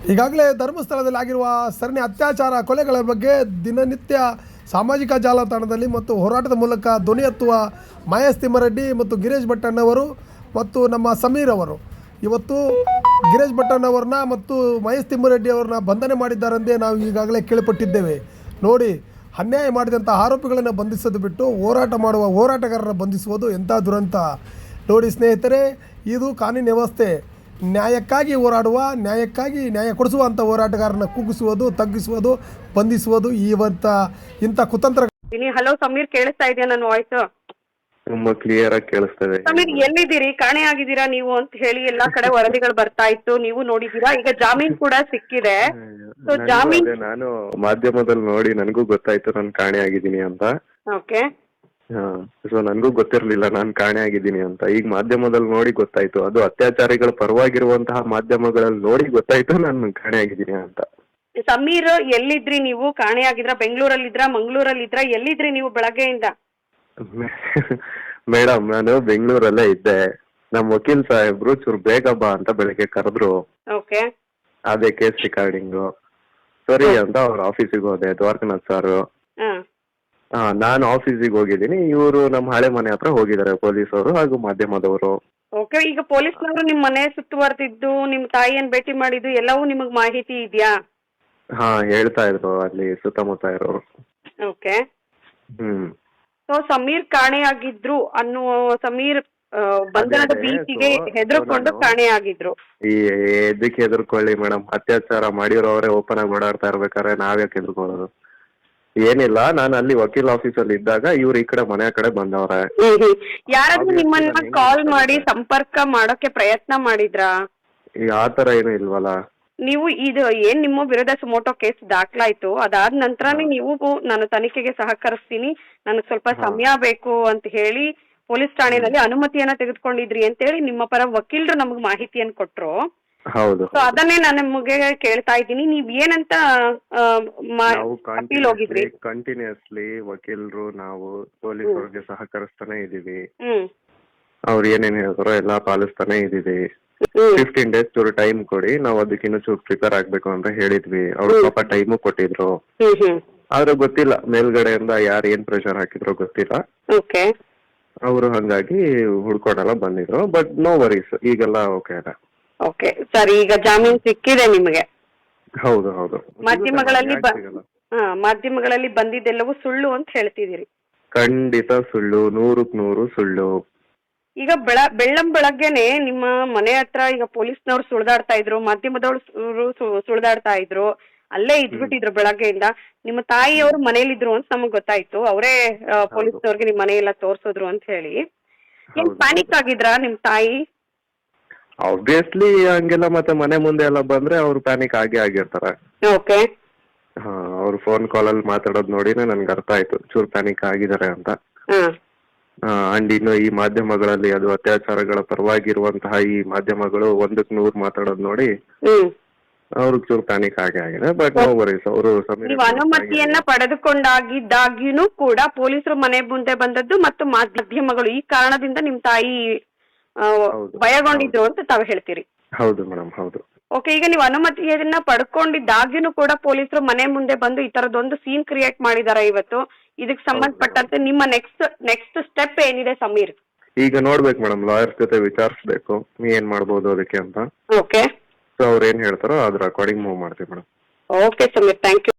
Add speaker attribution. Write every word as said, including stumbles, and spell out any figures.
Speaker 1: ಈಗಾಗಲೇ ಧರ್ಮಸ್ಥಳದಲ್ಲಿ ಆಗಿರುವ ಸರಣಿ ಅತ್ಯಾಚಾರ ಕೊಲೆಗಳ ಬಗ್ಗೆ ದಿನನಿತ್ಯ ಸಾಮಾಜಿಕ ಜಾಲತಾಣದಲ್ಲಿ ಮತ್ತು ಹೋರಾಟದ ಮೂಲಕ ಧ್ವನಿ ಎತ್ತುವ ಮಹೇಶ್ ತಿಮ್ಮಾರೆಡ್ಡಿ ಮತ್ತು ಗಿರೀಶ್ ಭಟ್ಟಣ್ಣವರು ಮತ್ತು ನಮ್ಮ ಸಮೀರ್ ಅವರು ಇವತ್ತು ಗಿರೀಶ್ ಭಟ್ಟಣ್ಣವ್ರನ್ನ ಮತ್ತು ಮಹೇಶ್ ತಿಮ್ಮಾರೆಡ್ಡಿ ಅವ್ರನ್ನ ಬಂಧನೆ ಮಾಡಿದ್ದಾರೆಂದೇ ನಾವು ಈಗಾಗಲೇ ಕೇಳಿಪಟ್ಟಿದ್ದೇವೆ. ನೋಡಿ, ಅನ್ಯಾಯ ಮಾಡಿದಂಥ ಆರೋಪಿಗಳನ್ನು ಬಂಧಿಸೋದು ಬಿಟ್ಟು ಹೋರಾಟ ಮಾಡುವ ಹೋರಾಟಗಾರರ ಬಂಧಿಸುವುದು ಎಂಥ ದುರಂತ. ನೋಡಿ ಸ್ನೇಹಿತರೆ, ಇದು ಕಾನೂನು ವ್ಯವಸ್ಥೆ. ನ್ಯಾಯಕ್ಕಾಗಿ ಹೋರಾಡುವ, ನ್ಯಾಯಕ್ಕಾಗಿ ನ್ಯಾಯ ಕೊಡಿಸುವಂಥ ಹೋರಾಟಗಾರನ ಕುಗ್ಗಿಸುವುದು, ತಗ್ಗಿಸುವುದು, ಬಂಧಿಸುವುದು ಇವತ್ತ ಇಂಥ ಕುತಂತ್ರ.
Speaker 2: ಹಲೋ ಸಮೀರ್, ಕೇಳಿಸ್ತಾ ಇದೆಯಾ ನನ್ನ ವಾಯ್ಸ್?
Speaker 3: ತುಂಬಾ ಕ್ಲಿಯರ್ ಆಗಿ ಕೇಳಿಸ್ತದೆ.
Speaker 2: ಸಮೀರ್, ಎಲ್ಲಿದ್ದೀರಿ? ಕಾಣೆ ಆಗಿದ್ದೀರಾ ನೀವು ಅಂತ ಹೇಳಿ ಎಲ್ಲಾ ಕಡೆ ವರದಿಗಳು ಬರ್ತಾ ಇತ್ತು, ನೀವು ನೋಡಿದೀರಾ? ಈಗ ಜಾಮೀನ್ ಕೂಡ ಸಿಕ್ಕಿದೆ. ಸೊ ಜಾಮೀನ್
Speaker 3: ನಾನು ಮಾಧ್ಯಮದಲ್ಲಿ ನೋಡಿ ನನಗೂ ಗೊತ್ತಾಯ್ತು ನಾನು ಕಾಣೆ ಆಗಿದ್ದೀನಿ ಅಂತ.
Speaker 2: ಓಕೆ.
Speaker 3: ಸೊ ನನಗೂ ಗೊತ್ತಿರ್ಲಿಲ್ಲ ನಾನು ಕಾಣೆ ಆಗಿದ್ದೀನಿ ಅಂತ. ಈಗ ಮಾಧ್ಯಮದಲ್ಲಿ ನೋಡಿ ಗೊತ್ತಾಯ್ತು, ಅದು ಅತ್ಯಾಚಾರಿಗಳ ಪರವಾಗಿರುವಂತಹ ಮಾಧ್ಯಮಗಳಲ್ಲಿ ನೋಡಿ ಗೊತ್ತಾಯ್ತು ನಾನು ಕಾಣೆ ಆಗಿದ್ದೀನಿ ಅಂತ.
Speaker 2: ಸಮೀರ್, ಎಲ್ಲಿದ್ರಿ ನೀವು? ಕಾಣೆ ಆಗಿದ್ರ? ಬೆಂಗಳೂರಲ್ಲಿದ್ರ, ಮಂಗಳೂರಲ್ಲಿದ್ರ? ಎಲ್ಲಿದ್ರಿ ನೀವು ಬೆಳಗ್ಗೆಯಿಂದ?
Speaker 3: ಮೇಡಮ್, ನಾನು ಬೆಂಗಳೂರಲ್ಲೇ ಇದ್ದೆ. ನಮ್ಮ ವಕೀಲ್ ಸಾಹೇಬ್ರು ಚೂರು ಬೇಗ ಬಾ ಅಂತ ಬೆಳಿಗ್ಗೆ ಕರೆದ್ರು.
Speaker 2: ಓಕೆ.
Speaker 3: ಅದೇ ಕೇಸ್ ರಿಕಾರ್ಡಿಂಗು ಸರಿ ಅಂತ ಅವ್ರ ಆಫೀಸಿಗೆ ಹೋದೆ, ದ್ವಾರಕನಾಥ್ ಸಾರು. ಹಾ, ನಾನು ಆಫೀಸಿಗೆ ಹೋಗಿದ್ದೀನಿ, ಇವರು ನಮ್ಮ ಹಳೆ ಮನೆ ಹತ್ರ ಹೋಗಿದ್ದಾರೆ ಪೊಲೀಸವರು ಹಾಗೂ ಮಾಧ್ಯಮದವರು.
Speaker 2: ಓಕೆ. ಈಗ ಪೊಲೀಸ್ನವರು ನಿಮ್ ಮನೆ ಸುತ್ತುವರೆದಿದ್ದು, ನಿಮ್ ತಾಯಿಯನ್ನ ಭೇಟಿ ಮಾಡಿದ್ದು ಎಲ್ಲವೂ ನಿಮಗ್ ಮಾಹಿತಿ ಇದೆಯಾ?
Speaker 3: ಹಾ, ಹೇಳ್ತಾ ಇದ್ರು ಅಲ್ಲಿ ಸುತ್ತಮುತ್ತ ಇರೋರು.
Speaker 2: ಓಕೆ.
Speaker 3: ಹ್ಮ್.
Speaker 2: ಸೊ ಸಮೀರ್ ಕಾಣೆಯಾಗಿದ್ರು ಅನ್ನುವ, ಸಮೀರ್ ಬಂಧನದ ಭೀತಿಗೆ ಹೆದರ್ಕೊಂಡು ಕಾಣೆಯಾಗಿದ್ರು.
Speaker 3: ಈ ಎದಕ್ಕೆ ಹೆದರ್ಕೊಳ್ಳಿ ಮೇಡಮ್? ಅತ್ಯಾಚಾರ ಮಾಡಿರೋರೇ ಓಪನ್ ಆಗಿ ಓಡಾಡ್ತಾ ಇರ್ಬೇಕಾದ್ರೆ ನಾವ್ಯಾಕೆ ಹೆದರ್ಕೊಳ್ಳೋದು? ಏನಿಲ್ಲ, ನಾನು ಅಲ್ಲಿ ವಕೀಲ್ ಆಫೀಸಲ್ಲಿ ಇದ್ದಾಗ ಇವ್ರು ಈ ಕಡೆ ಮನೆ ಕಡೆ ಬಂದವ್ರೆ.
Speaker 2: ಯಾರಾದ್ರೂ ನಿಮ್ಮನ್ನ ಕಾಲ್ ಮಾಡಿ ಸಂಪರ್ಕ ಮಾಡೋಕೆ ಪ್ರಯತ್ನ ಮಾಡಿದ್ರಾ?
Speaker 3: ಈ ಆತರ ಏನು ಇಲ್ವಲ್ಲ.
Speaker 2: ನೀವು ಇದು ಏನ್ ನಿಮ್ಮ ವಿರುದ್ಧ ಸುಮೋಟೋ ಕೇಸ್ ದಾಖಲಾಯ್ತು, ಅದಾದ ನಂತರನೇ ನೀವು ನಾನು ತನಿಖೆಗೆ ಸಹಕರಿಸ್ತೀನಿ, ನನಗೆ ಸ್ವಲ್ಪ ಸಮಯ ಬೇಕು ಅಂತ ಹೇಳಿ ಪೊಲೀಸ್ ಠಾಣೆಯಲ್ಲಿ ಅನುಮತಿಯನ್ನ ತೆಗೆದುಕೊಂಡಿದ್ರಿ ಅಂತ ಹೇಳಿ ನಿಮ್ಮ ಪರ ವಕೀಲರು ನಮಗ್ ಮಾಹಿತಿಯನ್ನು ಕೊಟ್ರು.
Speaker 3: ಹೌದು.
Speaker 2: ಸೊ ಅದನ್ನೇ ನಾನು ನಿಮಗೆ ಕೇಳ್ತಾ ಇದ್ದೀನಿ, ನೀವ್ ಏನಂತ ಅಪೀಲ್ ಹೋಗಿದ್ರಿ?
Speaker 3: ಕಂಟಿನ್ಯೂಸ್ಲಿ ವಕೀಲರು ನಾವು ಪೊಲೀಸರಿಗೆ ಸಹಕರಿಸ್ತಾನೆ ಇದೀವಿ.
Speaker 2: ಹ್ಮ್.
Speaker 3: ಅವ್ರು ಏನೇನ್ ಹೇಳ್ತಾರೋ ಎಲ್ಲಾ ಪಾಲಿಸ್ತಾನೆ ಇದೀವಿ. ಫಿಫ್ಟೀನ್ ಡೇಸ್ ಚೂರು ಟೈಮ್ ಕೊಡಿ, ನಾವು ಅದಕ್ಕಿನ್ನು ಚೂರು ಪ್ರಿಪೇರ್ ಆಗ್ಬೇಕು ಅಂತ ಹೇಳಿದ್ವಿ. ಅವ್ರು ಪಾಪ ಟೈಮು ಕೊಟ್ಟಿದ್ರು. ಆದ್ರೆ ಗೊತ್ತಿಲ್ಲ ಮೇಲ್ಗಡೆಯಿಂದ ಯಾರು ಏನ್ ಪ್ರೆಷರ್ ಹಾಕಿದ್ರು ಗೊತ್ತಿಲ್ಲ.
Speaker 2: ಓಕೆ.
Speaker 3: ಅವರು ಹಂಗಾಗಿ ಹುಡ್ಕೊಂಡೆಲ್ಲ ಬಂದಿದ್ರು. ಬಟ್ ನೋ ವರೀಸ್, ಈಗೆಲ್ಲ ಓಕೆ ಅಲ್ಲ.
Speaker 2: ಓಕೆ ಸರಿ. ಈಗ ಜಾಮೀನ್ ಸಿಕ್ಕಿದೆ ನಿಮಗೆ?
Speaker 3: ಹೌದು ಹೌದು.
Speaker 2: ಮಾಧ್ಯಮಗಳಲ್ಲಿ ಮಾಧ್ಯಮಗಳಲ್ಲಿ ಬಂದಿದ್ದೆಲ್ಲವೂ ಸುಳ್ಳು ಅಂತ ಹೇಳ್ತಿದ್ದೀರಿ?
Speaker 3: ಖಂಡಿತ ಸುಳ್ಳು, ನೂರಕ್ ನೂರು ಸುಳ್ಳು.
Speaker 2: ಈಗ ಬೆಳ ಬೆಳ್ಳಂ ಬೆಳಗ್ಗೆನೆ ನಿಮ್ಮ ಮನೆ ಹತ್ರ ಈಗ ಪೊಲೀಸ್ನವ್ರು ಸುಳ್ದಾಡ್ತಾ ಇದ್ರು, ಮಾಧ್ಯಮದವ್ರು ಸುಳ್ದಾಡ್ತಾ ಇದ್ರು, ಅಲ್ಲೇ ಇದ್ಬಿಟ್ಟಿದ್ರು ಬೆಳಗ್ಗೆಯಿಂದ. ನಿಮ್ಮ ತಾಯಿಯವರು ಮನೇಲಿದ್ರು ಅಂತ ನಮಗ್ ಗೊತ್ತಾಯ್ತು, ಅವರೇ ಪೊಲೀಸ್ನವ್ರಿಗೆ ನಿಮ್ ಮನೆಯೆಲ್ಲ ತೋರ್ಸಿದ್ರು ಅಂತ ಹೇಳಿ. ಏನ್ ಪ್ಯಾನಿಕ್ ಆಗಿದ್ರಾ ನಿಮ್ ತಾಯಿ?
Speaker 3: ಆಬ್ವಿಯಸ್ಲಿ ಹಂಗೆಲ್ಲ ಮತ್ತೆ ಮನೆ ಮುಂದೆ ಎಲ್ಲ ಬಂದ್ರೆ ಅವ್ರು ಪ್ಯಾನಿಕ್ ಆಗೇ ಆಗಿರ್ತಾರೆ.
Speaker 2: ಓಕೆ.
Speaker 3: ಹಾ, ಅವ್ರು ಫೋನ್ ಕಾಲ್ ಅಲ್ಲಿ ಮಾತಾಡೋದ್ ನೋಡಿನೇ ನನ್ಗೆ ಅರ್ಥ ಆಯ್ತು ಚೂರ್ ಪ್ಯಾನಿಕ್ ಆಗಿದ್ದಾರೆ ಅಂತ. ಅಂಡ್ ಇನ್ನು ಈ ಮಾಧ್ಯಮಗಳಲ್ಲಿ ಅದು ಅತ್ಯಾಚಾರಗಳ ಪರವಾಗಿರುವಂತಹ ಈ ಮಾಧ್ಯಮಗಳು ಒಂದಕ್ ನೂರ್ ಮಾತಾಡೋದ್ ನೋಡಿ ಅವ್ರಿಗೆ ಚೂರು ಪ್ಯಾನಿಕ್ ಆಗೇ ಆಗಿದೆ. But no worries. ಅವರು
Speaker 2: ನೀವು ಅನುಮತಿಯನ್ನ ಪಡೆದುಕೊಂಡಾಗಿದ್ದಾಗ್ಯೂ ಕೂಡ ಪೊಲೀಸರು ಮನೆ ಮುಂದೆ ಬಂದದ್ದು ಮತ್ತು ಮಾಧ್ಯಮಗಳು ಈ ಕಾರಣದಿಂದ ನಿಮ್ ತಾಯಿ ಭಯಗೊಂಡಿದ್ರು ಅಂತ ತಾವು ಹೇಳ್ತೀರಿ?
Speaker 3: ಹೌದು ಮೇಡಮ್, ಹೌದು.
Speaker 2: ಓಕೆ. ಈಗ ನೀವು ಅನುಮತಿಯನ್ನ ಪಡ್ಕೊಂಡಿದ್ದಾಗ್ಯೂ ಕೂಡ ಪೊಲೀಸರು ಮನೆ ಮುಂದೆ ಬಂದು ಈ ತರದೊಂದು ಸೀನ್ ಕ್ರಿಯೇಟ್ ಮಾಡಿದಾರೆ ಇವತ್ತು. ಇದಕ್ಕೆ ಸಂಬಂಧಪಟ್ಟಂತೆ ನಿಮ್ಮ ನೆಕ್ಸ್ಟ್ ನೆಕ್ಸ್ಟ್ ಸ್ಟೆಪ್ ಏನಿದೆ ಸಮೀರ್?
Speaker 3: ಈಗ ನೋಡ್ಬೇಕು ಮೇಡಮ್, ಲಾಯರ್ಸ್ ಜೊತೆ ವಿಚಾರಿಸ್ಬೇಕು ಏನ್ ಮಾಡ್ಬೋದು ಅದಕ್ಕೆ ಅಂತ.
Speaker 2: ಓಕೆ.
Speaker 3: ಸೊ ಅವ್ರು ಏನ್ ಹೇಳ್ತಾರೋ ಅದ್ರ ಅಕಾರ್ಡಿಂಗ್ ಮೂವ್ ಮಾಡ್ತೀವಿ madam.
Speaker 2: Okay Sameer, thank you.